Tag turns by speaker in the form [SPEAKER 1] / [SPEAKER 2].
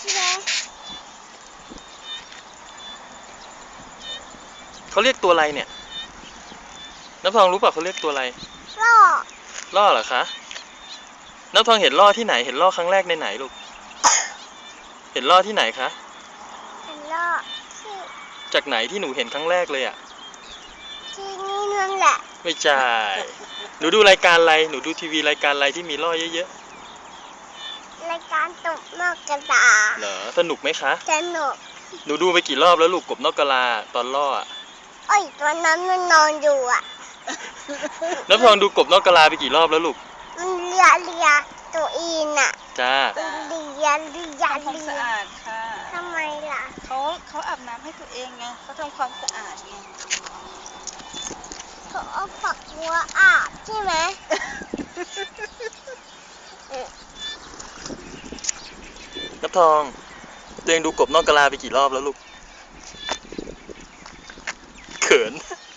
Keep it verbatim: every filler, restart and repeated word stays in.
[SPEAKER 1] ใช่ไหม
[SPEAKER 2] เขาเรียกตัวอะไรเนี่ยน้ำทองรู้ป่ะเขาเรียกตัวอะไร
[SPEAKER 1] ล่อ
[SPEAKER 2] ล่อเหรอคะน้ำทองเห็นล่อที่ไหนเห็นล่อครั้งแรกในไหนลูกเห็นล่อที่ไหนคะ
[SPEAKER 1] เห็นล่อที่
[SPEAKER 2] จากไหนที่หนูเห็นครั้งแรกเลยอ่ะ
[SPEAKER 1] ที่นี่นั่นแหละ
[SPEAKER 2] ไม่ใช่หนูดูรายการอะไรหนูดูทีวีรายการอะไรที่มีล่อเยอะ
[SPEAKER 1] รายการตกนอกกระดาษ
[SPEAKER 2] ๆเหรอสนุกไหมคะ
[SPEAKER 1] สนุก
[SPEAKER 2] หนูดูไปกี่รอบแล้วลูกกบนอกกะลาตอนล่ออะ
[SPEAKER 1] เอ้ยตัวนั้นมันนอนอยู่อ่ะ
[SPEAKER 2] น้ำทองดูกบนอกกะลาไปกี่รอบแล้วลูก
[SPEAKER 1] มันเลียเลียตัวอีนอ่ะ
[SPEAKER 2] จ้า
[SPEAKER 1] มันเลียเลีย
[SPEAKER 3] ทำความ
[SPEAKER 1] เลี
[SPEAKER 3] สะ
[SPEAKER 1] ย
[SPEAKER 3] อาดค่ะ
[SPEAKER 1] ทำไมล่ะ
[SPEAKER 3] เขาเขาอาบน้ำให้ตัวเองไงเขาทำความสะอาดไง
[SPEAKER 1] เขาเอาฝักบัวอาบใช่ไหม
[SPEAKER 2] น้ำทองตัวเองดูกบนอกกะลาไปกี่รอบแล้วลูกเขิน